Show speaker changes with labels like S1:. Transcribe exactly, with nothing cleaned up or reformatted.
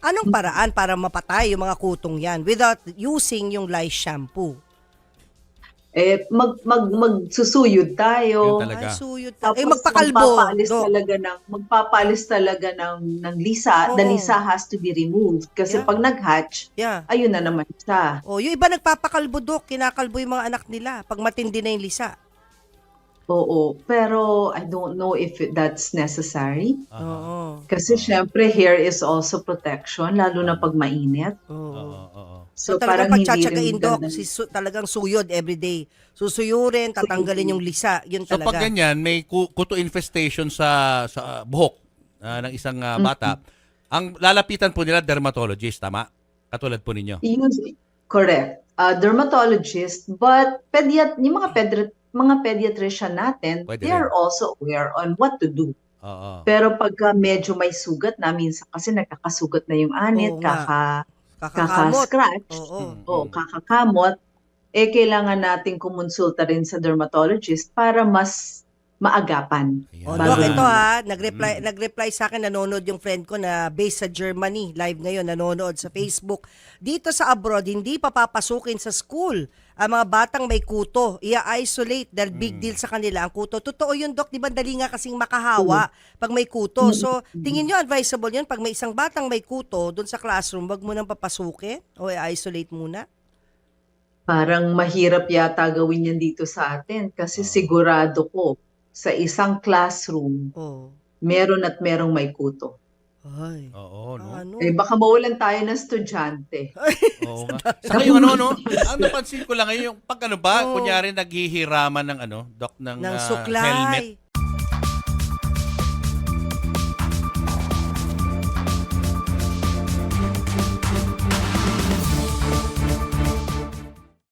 S1: Anong paraan para mapatay yung mga kutong yan without using yung lice shampoo?
S2: Eh, mag, mag, magsusuyod
S3: Yun
S2: tayo.
S3: talaga.
S1: Ay, suyot. ta-
S2: Tapos
S1: Eh, magpakalbo,
S2: magpapaalis
S1: Dok.
S2: talaga ng magpapaalis talaga ng ng lisa. The
S1: Oo.
S2: lisa has to be removed kasi
S1: Yeah.
S2: pag nag-hatch,
S1: Yeah.
S2: ayun na naman siya.
S1: Oh, yung iba nagpapakalbo, Dok. Kinakalbo yung mga anak nila pag matindi na yung lisa.
S2: Oo, pero I don't know if it- that's necessary.
S3: Aha.
S1: Oo.
S2: Kasi syempre hair is also protection lalo na pag mainit.
S1: Oo.
S3: Oo, oo.
S1: So,
S2: So,
S1: talagang
S2: parang hindi
S1: pagtsatsagain,
S2: rin
S1: Dok,
S2: ganda.
S1: si, su- talagang suyod everyday. Susuyurin, tatanggalin yung lisa. Yun
S3: So
S1: talaga.
S3: pag ganyan, may ku- kuto infestation sa sa buhok ah, ng isang ah, bata, ang lalapitan po nila dermatologist, tama? Katulad po ninyo.
S2: Yun- correct. Uh, dermatologist, but pediat yung mga pedri- mga pediatrician natin,
S3: Pwede
S2: they are
S3: rin.
S2: also aware on what to do.
S3: Oo.
S2: Pero pagka medyo may sugat na, minsan kasi nagkakasugat na yung anit,
S1: Oo nga.
S2: kaka,
S1: Kakakamot.
S2: kaka-scratch,
S1: Oo.
S3: Mm,
S2: o
S3: mm.
S2: kakakamot, eh kailangan nating kumonsulta rin sa dermatologist para mas maagapan.
S3: Ayan.
S1: O,
S2: Bago
S1: Dok, ito
S2: na-
S1: ha, nag-reply, nag-reply sa akin, nanonood yung friend ko na based sa Germany, live ngayon, nanonood sa Facebook. Dito sa abroad, hindi pa papasukin sa school ang mga batang may kuto. I-isolate dahil big deal sa kanila ang kuto. Totoo yun, Dok, di ba dali nga kasing makahawa pag may kuto. So, tingin nyo advisable yun, pag may isang batang may kuto doon sa classroom, wag mo nang papasukin o i-isolate muna?
S2: Parang mahirap yata gawin yan dito sa atin kasi sigurado ko sa isang classroom,
S1: Oh.
S2: meron at merong may kuto.
S1: Ay.
S3: Oo, no?
S1: Ano?
S2: Eh baka mawalan tayo ng estudyante.
S3: Oo nga. Saka yung ano, no? Ang napansin ko lang ngayon, yung pag ano ba,
S1: Oo.
S3: kunyari naghihiraman ng ano, doc ng,
S1: Ng
S3: ah,
S1: suklay.
S3: helmet.